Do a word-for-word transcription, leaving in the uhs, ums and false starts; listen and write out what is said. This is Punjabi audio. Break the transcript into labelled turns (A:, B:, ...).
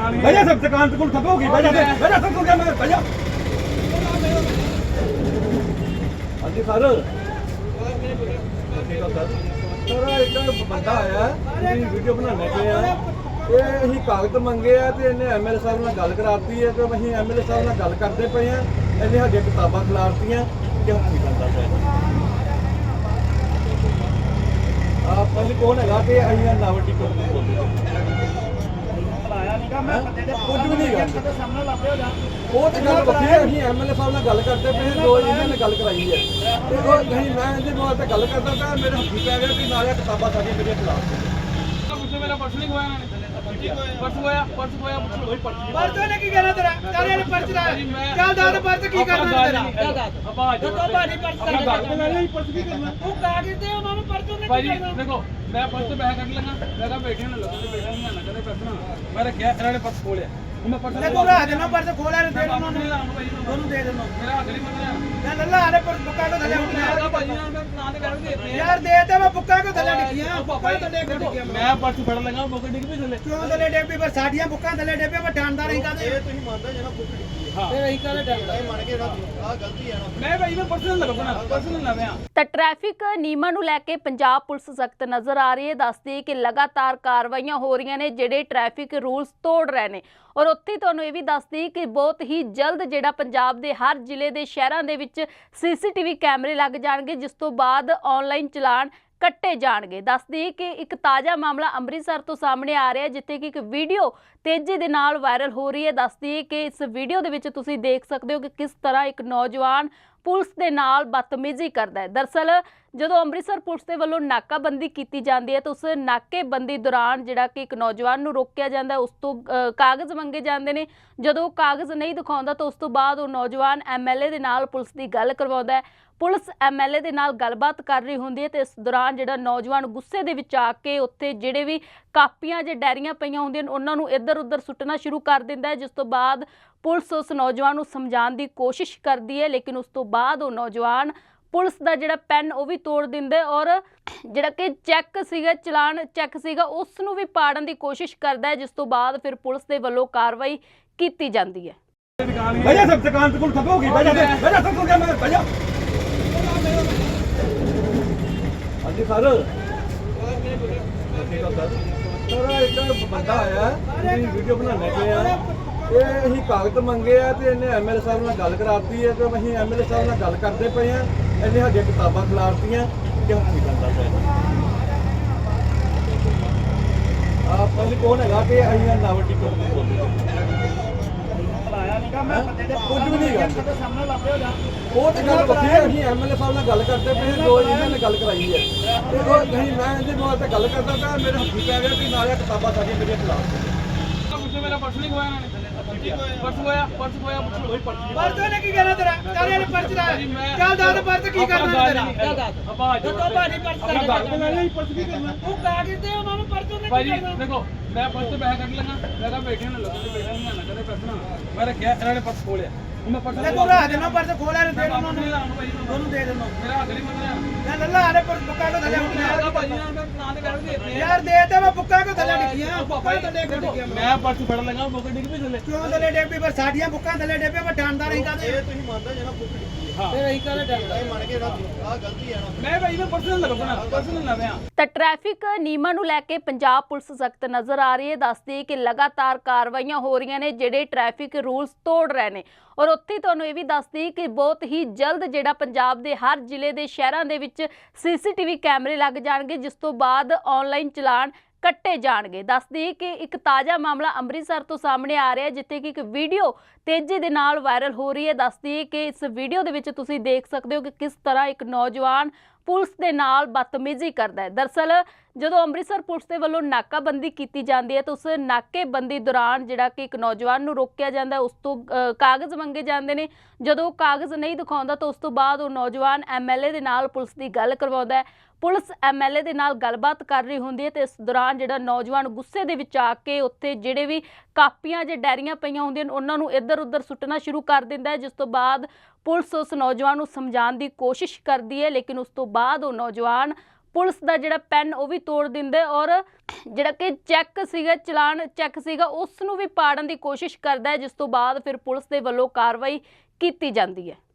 A: भैया सब दुकान को ठप होगी भैया भैया सब को क्या मैं भैया हाँ जी सर सर एक बंदा आया वीडियो बनाने के लिए ਇਹ ਅਸੀਂ ਕਾਗਜ਼ ਮੰਗੇ ਆ ਤੇ ਇਹਨੇ ਐਮਐਲਏ ਸਾਹਿਬ ਨਾਲ ਗੱਲ ਕਰਾਤੀ ਹੈ ਤੇ ਅਸੀਂ ਐਮਐਲਏ ਸਾਹਿਬ ਨਾਲ ਗੱਲ ਕਰਦੇ ਪਏ ਆ ਇਹਨੇ ਸਾਡੀਆਂ ਕਿਤਾਬਾਂ ਖਿਲਾਰਤੀਆਂ ਕਿ ਹੱਥ ਨਹੀਂ ਕਰਦਾ ਪਿਆ ਆ ਪਹਿਲੇ ਕੋਣ ਹੈਗਾ ਤੇ ਅਸੀਂ ਨਾਵਟੀ ਕੋਲ ਬੋਲਦੇ ਆਇਆ ਨਹੀਂਗਾ ਮੈਂ ਕੁਝ ਵੀ ਨਹੀਂ ਹੈਗਾ ਸਾਹਮਣੇ ਲੱਭੇ ਹੋ ਜਾ ਉਹ ਤੇ ਗੱਲ ਵੱਖਰੀ ਹੈ ਅਸੀਂ ਐਮਐਲਏ ਸਾਹਿਬ ਨਾਲ ਗੱਲ ਕਰਦੇ ਪਏ ਜੋ ਇਹਨਾਂ ਨੇ ਗੱਲ ਕਰਾਈ ਹੈ ਤੇ ਉਹ ਨਹੀਂ ਮੈਂ ਇਹਦੇ ਨਾਲ ਤੇ ਗੱਲ ਕਰਦਾ ਤਾਂ ਮੇਰੇ ਹੱਥੀ ਪੈ ਗਿਆ ਕਿ ਨਾਲੇ ਕਿਤਾਬਾਂ ਸਾਡੀਆਂ ਮੇਰੇ ਖਿਲਾਫ ਪੁੱਛੋ ਮੇਰਾ ਪਰਸ ਨਹੀਂ ਖੋਇਆ ਇਹਨਾਂ ਨੇ ਪਰਸ ਹੋਇਆ ਪਰਸ ਹੋਇਆ ਕੋਈ ਪਰਸ ਪਰਸ ਨੇ ਕੀ ਕਹਿਣਾ ਤੇਰਾ ਤੇਰੇ ਨੇ ਪਰਸ ਦਾ ਚੱਲ ਦੱਸ ਪਰਸ ਕੀ ਕਰਨਾ ਤੇਰਾ ਚੱਲ ਦੱਸ ਆਵਾਜ਼ ਤੋ ਬਾਣੀ ਪਰਸ ਕਰ ਗੱਲ ਲੈ ਲਈ ਪਰਸ ਕੀ ਕਰਨਾ ਤੂੰ ਕਾਗਜ਼ ਦੇ ਉਹਨਾਂ ਨੂੰ ਪਰਸ ਨੇ ਕੀ ਕਰਨਾ ਦੇਖੋ ਮੈਂ ਪਰਸ ਤੇ ਪੈਸੇ ਕੱਢ ਲਾਂਗਾ ਮੈਂ ਕਹਾ ਬੈਠੇ ਨਾ ਲੋਕਾਂ ਦੇ ਬੈਠਾ ਨਹੀਂ ਆਣਾ ਕਦੇ ਪਰਸ ਨਾ ਮੈਂ ਰੱਖਿਆ ਇਹਨਾਂ ਨੇ ਪਰਸ ਖੋਲਿਆ ਮੈਂ ਪਰਸ ਲੈ ਤੂੰ ਰਾਹ ਦੇਣਾ ਪਰਸ ਖੋਲਿਆ ਦੇ ਉਹਨਾਂ ਨੂੰ ਉਹਨੂੰ ਦੇ ਦੇਣਾ ਮੇਰਾ ਅਗਲੀ ਮੰਨਿਆ ਲੈ ਲੱਲਾ ਆਲੇ ਪਰਸ ਬੁੱਕਾ ਕੋ ਥੱਲੇ ਉੱਠਿਆ ਭਾਜੀ ਨਾਲ ਮੈਂ ਨਾਂ ਤੇ ਕਰ ਦੇ ਯਾਰ ਦੇ ਤੇ ਮੈਂ ਬੁੱਕਾ ਕੋ ਥੱਲੇ ਡਿੱਗੀਆਂ ਬੁੱਕਾ ਥੱਲੇ ਡਿੱਗੀਆਂ ਮੈਂ ਪਰਸ ਫੜ ਲਗਾ ਬੁੱਕ ਡਿੱਗ ਵੀ ਥੱਲੇ ਕਿਉਂ ਥੱਲੇ ਡਿੱਗ ਪਈ ਪਰ ਸਾਡੀਆਂ ਬੁੱਕਾਂ ਥੱਲੇ ਡਿੱਗ ਪਈ ਮੈਂ ਡਾਂਦਾ ਨਹੀਂ ਕਾਦੇ ਇਹ ਤੁਸੀਂ ਮੰਨਦੇ ਜਿਹੜਾ ਬੁੱਕ ਡਿੱਗੀ ਹਾਂ ਫਿਰ ਅਸੀਂ ਕਾਦੇ ਡਾਂਦਾ ਇਹ ਮੰਨ ਕੇ ਆ ਗਲਤੀ ਹੈ ਨਾ ਮੈਂ ਭਾਈ ਮੈਂ ਪਰਸਨਲ ਲੱਗਣਾ ਪਰਸਨਲ ਲਵਿਆ
B: ਤਾਂ ਟ੍ਰੈਫਿਕ ਨਿਯਮਾਂ ਨੂੰ ਲੈ ਕੇ ਪੰਜਾਬ ਪੁਲਿਸ ਸਖਤ ਨਜ਼ਰ ਆ ਰਹੀ ਹੈ। ਦੱਸਦੀ ਕਿ ਲਗਾਤਾਰ ਕਾਰਵਾਈਆਂ ਹੋ ਰਹੀਆਂ ਨੇ ਜਿਹੜੇ ਟ੍ਰੈਫਿਕ ਰੂਲਸ ਤੋੜ ਰਹੇ ਨੇ ਔਰ ਉੱਥੇ ਤੁਹਾਨੂੰ ਇਹ ਵੀ ਦੱਸਦੀ ਕਿ ਬਹੁਤ ਹੀ ਜਲਦ ਜਿਹੜਾ ਪੰਜਾਬ ਦੇ ਹਰ ਜ਼ਿਲ੍ਹੇ ਦੇ ਸ਼ਹਿਰਾਂ ਦੇ ਵਿੱਚ ਸੀਸੀਟੀਵੀ ਕੈਮਰੇ ਲੱਗ ਜਾਣਗੇ ਜਿਸ ਤੋਂ ਬਾਅਦ ਆਨਲਾਈਨ ਚਲਾਨ ਕੱਟੇ ਜਾਣਗੇ। ਦੱਸਦੀ ਕਿ ਇੱਕ ਤਾਜ਼ਾ ਮਾਮਲਾ ਅੰਮ੍ਰਿਤਸਰ ਤੋਂ ਸਾਹਮਣੇ ਆ ਰਿਹਾ ਹੈ ਜਿੱਥੇ ਕਿ ਇੱਕ ਵੀਡੀਓ ਤੇਜ਼ੀ ਦੇ ਨਾਲ ਵਾਇਰਲ ਹੋ ਰਹੀ ਹੈ। ਦੱਸਦੀ ਕਿ ਇਸ ਵੀਡੀਓ ਦੇ ਵਿੱਚ ਤੁਸੀਂ ਦੇਖ ਸਕਦੇ ਹੋ ਕਿ ਕਿਸ ਤਰ੍ਹਾਂ ਇੱਕ ਨੌਜਵਾਨ ਪੁਲਿਸ ਦੇ ਨਾਲ ਬਦਤਮੀਜ਼ੀ ਕਰਦਾ ਹੈ। ਦਰਅਸਲ ਜਦੋਂ ਅੰਮ੍ਰਿਤਸਰ ਪੁਲਿਸ ਦੇ ਵੱਲੋਂ ਨਾਕਾਬੰਦੀ ਕੀਤੀ ਜਾਂਦੀ ਹੈ ਤਾਂ ਉਸ ਨਾਕੇਬੰਦੀ ਦੌਰਾਨ ਜਿਹੜਾ ਕਿ ਇੱਕ ਨੌਜਵਾਨ ਨੂੰ ਰੋਕਿਆ ਜਾਂਦਾ ਉਸ ਤੋਂ ਕਾਗਜ਼ ਮੰਗੇ ਜਾਂਦੇ ਨੇ। ਜਦੋਂ ਕਾਗਜ਼ ਨਹੀਂ ਦਿਖਾਉਂਦਾ ਤਾਂ ਉਸ ਤੋਂ ਬਾਅਦ ਉਹ ਨੌਜਵਾਨ ਐਮਐਲਏ ਦੇ ਨਾਲ ਪੁਲਿਸ ਦੀ ਗੱਲ ਕਰਵਾਉਂਦਾ ਹੈ। ਪੁਲਿਸ ਐਮਐਲਏ ਦੇ ਨਾਲ ਗੱਲਬਾਤ ਕਰ ਰਹੀ ਹੁੰਦੀ ਹੈ ਤੇ ਇਸ ਦੌਰਾਨ ਜਿਹੜਾ ਨੌਜਵਾਨ ਗੁੱਸੇ ਦੇ ਵਿੱਚ ਆ ਕੇ ਉੱਥੇ ਜਿਹੜੇ ਵੀ ਕਾਪੀਆਂ ਜਾਂ ਡਾਇਰੀਆਂ ਪਈਆਂ ਹੁੰਦੀਆਂ ਨੇ ਉਹਨਾਂ ਨੂੰ ਇੱਧਰ ਉੱਧਰ ਸੁੱਟਣਾ ਸ਼ੁਰੂ ਕਰ ਦਿੰਦਾ ਹੈ ਜਿਸ ਤੋਂ ਬਾਅਦ ਪੁਲਿਸ ਉਸ ਨੌਜਵਾਨ ਨੂੰ ਸਮਝਾਉਣ ਦੀ ਕੋਸ਼ਿਸ਼ ਕਰਦੀ ਹੈ ਲੇਕਿਨ ਉਸ ਤੋਂ ਬਾਅਦ ਉਹ ਨੌਜਵਾਨ ਪੁਲਿਸ ਦਾ ਜਿਹੜਾ ਪੈਨ ਉਹ ਵੀ ਤੋੜ ਦਿੰਦੇ ਔਰ ਜਿਹੜਾ ਕਿ ਚੈੱਕ ਸੀਗਾ ਚਲਾਨ ਚੈੱਕ ਸੀਗਾ ਉਸ ਨੂੰ ਵੀ ਪਾੜਨ ਦੀ ਕੋਸ਼ਿਸ਼ ਕਰਦਾ ਹੈ ਜਿਸ ਤੋਂ ਬਾਅਦ ਫਿਰ ਪੁਲਿਸ ਦੇ ਵੱਲੋਂ ਕਾਰਵਾਈ ਕੀਤੀ ਜਾਂਦੀ ਹੈ।
A: भैया सब दुकान को ठप होगी भैया भैया सब को क्या मैं भैया हाँ जी सर सर एक बंदा आया वीडियो बनाने के लिए ਇਹ ਅਸੀਂ ਕਾਗਜ਼ ਮੰਗੇ ਆ ਤੇ ਇਹਨੇ ਐਮਐਲਏ ਸਾਹਿਬ ਨਾਲ ਗੱਲ ਕਰਾਤੀ ਹੈ ਤੇ ਅਸੀਂ ਐਮਐਲਏ ਸਾਹਿਬ ਨਾਲ ਗੱਲ ਕਰਦੇ ਪਏ ਆ ਇਹਨੇ ਸਾਡੀਆਂ ਕਿਤਾਬਾਂ ਖਿਲਾਰਤੀਆਂ ਕਿ ਹੱਥ ਨਹੀਂ ਕਰਦਾ ਪਿਆ ਆ ਪਹਿਲੇ ਕੋਣ ਹੈਗਾ ਤੇ ਅਸੀਂ ਨਾਵਟੀ ਕੋਲ ਬੋਲਦੇ ਆਇਆ ਨਹੀਂਗਾ ਮੈਂ ਕੁਝ ਵੀ ਨਹੀਂ ਹੈਗਾ ਸਾਹਮਣੇ ਲੱਭੇ ਹੋ ਜਾ ਉਹ ਤੇ ਗੱਲ ਵੱਖਰੀ ਹੈ ਅਸੀਂ ਐਮਐਲਏ ਸਾਹਿਬ ਨਾਲ ਗੱਲ ਕਰਦੇ ਪਏ ਜੋ ਇਹਨਾਂ ਨੇ ਗੱਲ ਕਰਾਈ ਹੈ ਤੇ ਉਹ ਨਹੀਂ ਮੈਂ ਇਹਦੇ ਨਾਲ ਤੇ ਗੱਲ ਕਰਦਾ ਤਾਂ ਮੇਰੇ ਹੱਥੀ ਪੈ ਗਿਆ ਕਿ ਨਾਲੇ ਕਿਤਾਬਾਂ ਸਾਡੀਆਂ ਮੇਰੇ ਖਿਲਾਫ
C: ਪੁੱਛੋ ਮੇਰਾ ਪਰਸ ਨਹੀਂ ਖੋਇਆ ਇਹਨਾਂ ਨੇ ਪਰਸ ਹੋਇਆ ਪਰਸ ਹੋਇਆ ਕੋਈ ਪਰਸ
A: ਪਰਸ ਨੇ ਕੀ ਕਹਿਣਾ ਤੇਰਾ ਤੇਰੇ ਨੇ ਪਰਸ ਦਾ ਚੱਲ ਦੱਸ ਪਰਸ ਕੀ ਕਰਨਾ ਤੇਰਾ ਚੱਲ ਦੱਸ
C: ਆਵਾਜ਼
A: ਤੋ ਬਾਣੀ ਪਰਸ ਕਰ ਗੱਲ ਲੈ ਲਈ ਪਰਸ ਕੀ ਕਰਨਾ ਤੂੰ ਕਾਗਜ਼ ਦੇ ਉਹਨਾਂ ਨੂੰ ਪਰਸ ਨੇ
C: ਭਾਜੀ ਦੇਖੋ ਮੈਂ ਪਰਸ ਤੇ ਪੈਸੇ ਕੱਢ ਲਾਂਗਾ ਮੈਂ ਕਹਾ ਬੈਠੇ ਨਾ ਲੋਕਾਂ ਦੇ ਬੈਠਾ ਨਹੀਂ ਆਣਾ ਕਦੇ ਪਰਸ ਨਾ ਮੈਂ ਰੱਖਿਆ ਇਹਨਾਂ ਨੇ ਪਰਸ ਖੋਲਿਆ ਮੈਂ ਪਰਸ
A: ਲੈ ਤੂੰ ਰਾਹ ਦੇਣਾ ਪਰਸ ਖੋਲਿਆ ਦੇ ਉਹਨਾਂ ਨੂੰ ਉਹਨੂੰ ਦੇ ਦੇਣਾ
C: ਮੇਰਾ ਅਗਲੀ ਮੰਨਿਆ
A: ਲੈ ਲੱਲਾ ਆਲੇ ਪਰਸ ਬੁੱਕਾ ਕੋ ਥੱਲੇ ਉੱਠਿਆ
C: ਭਾਜੀ ਨਾਲ ਮੈਂ ਨਾਂ ਤੇ ਕਰ ਦੇ
A: ਯਾਰ ਦੇ ਤੇ ਮੈਂ ਬੁੱਕਾ ਕੋ ਥੱਲੇ ਡਿੱਗੀਆਂ ਬੁੱਕਾ ਥੱਲੇ ਡਿੱਗੀਆਂ
C: ਮੈਂ ਪਰਸ ਫੜ ਲਗਾ ਬੁੱਕ ਡਿੱਗ ਵੀ ਥੱਲੇ
A: ਕਿਉਂ ਥੱਲੇ ਡਿੱਗ ਪਈ ਪਰ ਸਾਡੀਆਂ ਬੁੱਕਾਂ ਥੱਲੇ ਡਿੱਗ ਪਈ ਮੈਂ ਡਾਂਦਾ ਨਹੀਂ ਕਾਦੇ ਇਹ ਤੁਸੀਂ ਮੰਨਦੇ ਜਿਹੜਾ ਬੁੱਕ ਡਿੱਗੀ ਹਾਂ ਫਿਰ ਅਸੀਂ ਕਾਦੇ ਡਾਂਦਾ ਇਹ ਮੰਨ ਕੇ ਆ ਗਲਤੀ ਹੈ ਨਾ ਮੈਂ ਭਾਈ ਮੈਂ ਪਰਸਨਲ ਲੱਗਣਾ ਪਰਸਨਲ ਲਵਿਆ
B: ਤਾਂ ਟ੍ਰੈਫਿਕ ਨਿਯਮਾਂ ਨੂੰ ਲੈ ਕੇ ਪੰਜਾਬ ਪੁਲਿਸ ਸਖਤ ਨਜ਼ਰ ਆ ਰਹੀ ਹੈ। ਦੱਸਦੀ ਕਿ ਲਗਾਤਾਰ ਕਾਰਵਾਈਆਂ ਹੋ ਰਹੀਆਂ ਨੇ ਜਿਹੜੇ ਟ੍ਰੈਫਿਕ ਰੂਲਸ ਤੋੜ ਰਹੇ ਨੇ ਔਰ ਉੱਥੇ ਤੁਹਾਨੂੰ ਇਹ ਵੀ ਦੱਸਦੀ ਕਿ ਬਹੁਤ ਹੀ ਜਲਦ ਜਿਹੜਾ ਪੰਜਾਬ ਦੇ ਹਰ ਜ਼ਿਲ੍ਹੇ ਦੇ ਸ਼ਹਿਰਾਂ ਦੇ ਵਿੱਚ ਸੀਸੀਟੀਵੀ ਕੈਮਰੇ ਲੱਗ ਜਾਣਗੇ ਜਿਸ ਤੋਂ ਬਾਅਦ ਆਨਲਾਈਨ ਚਲਾਨ ਕੱਟੇ ਜਾਣਗੇ। ਦੱਸਦੀ ਕਿ ਇੱਕ ਤਾਜ਼ਾ ਮਾਮਲਾ ਅੰਮ੍ਰਿਤਸਰ ਤੋਂ ਸਾਹਮਣੇ ਆ ਰਿਹਾ ਹੈ ਜਿੱਥੇ ਕਿ ਇੱਕ ਵੀਡੀਓ ਤੇਜ਼ੀ ਦੇ ਨਾਲ ਵਾਇਰਲ ਹੋ ਰਹੀ ਹੈ। ਦੱਸਦੀ ਕਿ ਇਸ ਵੀਡੀਓ ਦੇ ਵਿੱਚ ਤੁਸੀਂ ਦੇਖ ਸਕਦੇ ਹੋ ਕਿ ਕਿਸ ਤਰ੍ਹਾਂ ਇੱਕ ਨੌਜਵਾਨ ਪੁਲਿਸ ਦੇ ਨਾਲ ਬਦਤਮੀਜ਼ੀ ਕਰਦਾ ਹੈ। ਦਰਅਸਲ ਜਦੋਂ ਅੰਮ੍ਰਿਤਸਰ ਪੁਲਿਸ ਦੇ ਵੱਲੋਂ ਨਾਕਾਬੰਦੀ ਕੀਤੀ ਜਾਂਦੀ ਹੈ ਤਾਂ ਉਸ ਨਾਕੇਬੰਦੀ ਦੌਰਾਨ ਜਿਹੜਾ ਕਿ ਇੱਕ ਨੌਜਵਾਨ ਨੂੰ ਰੋਕਿਆ ਜਾਂਦਾ ਉਸ ਤੋਂ ਕਾਗਜ਼ ਮੰਗੇ ਜਾਂਦੇ ਨੇ। ਜਦੋਂ ਕਾਗਜ਼ ਨਹੀਂ ਦਿਖਾਉਂਦਾ ਤਾਂ ਉਸ ਤੋਂ ਬਾਅਦ ਉਹ ਨੌਜਵਾਨ ਐਮਐਲਏ ਦੇ ਨਾਲ ਪੁਲਿਸ ਦੀ ਗੱਲ ਕਰਵਾਉਂਦਾ ਹੈ। ਪੁਲਿਸ ਐਮਐਲਏ ਦੇ ਨਾਲ ਗੱਲਬਾਤ ਕਰ ਰਹੀ ਹੁੰਦੀ ਹੈ ਤੇ ਇਸ ਦੌਰਾਨ ਜਿਹੜਾ ਨੌਜਵਾਨ ਗੁੱਸੇ ਦੇ ਵਿੱਚ ਆ ਕੇ ਉੱਥੇ ਜਿਹੜੇ ਵੀ ਕਾਪੀਆਂ ਜਾਂ ਡਾਇਰੀਆਂ ਪਈਆਂ ਹੁੰਦੀਆਂ ਨੇ ਉਹਨਾਂ ਨੂੰ ਇੱਧਰ ਉੱਧਰ ਸੁੱਟਣਾ ਸ਼ੁਰੂ ਕਰ ਦਿੰਦਾ ਹੈ ਜਿਸ ਤੋਂ ਬਾਅਦ ਪੁਲਿਸ ਉਸ ਨੌਜਵਾਨ ਨੂੰ ਸਮਝਾਉਣ ਦੀ ਕੋਸ਼ਿਸ਼ ਕਰਦੀ ਹੈ ਲੇਕਿਨ ਉਸ ਤੋਂ ਬਾਅਦ ਉਹ ਨੌਜਵਾਨ ਪੁਲਿਸ ਦਾ ਜਿਹੜਾ ਪੈਨ ਉਹ ਵੀ ਤੋੜ ਦਿੰਦੇ ਔਰ ਜਿਹੜਾ ਕਿ ਚੈੱਕ ਸੀਗਾ ਚਲਾਨ ਚੈੱਕ ਸੀਗਾ ਉਸ ਨੂੰ ਵੀ ਪਾੜਨ ਦੀ ਕੋਸ਼ਿਸ਼ ਕਰਦਾ ਹੈ, ਜਿਸ ਤੋਂ ਬਾਅਦ ਫਿਰ ਪੁਲਿਸ ਦੇ ਵੱਲੋਂ ਕਾਰਵਾਈ ਕੀਤੀ ਜਾਂਦੀ ਹੈ।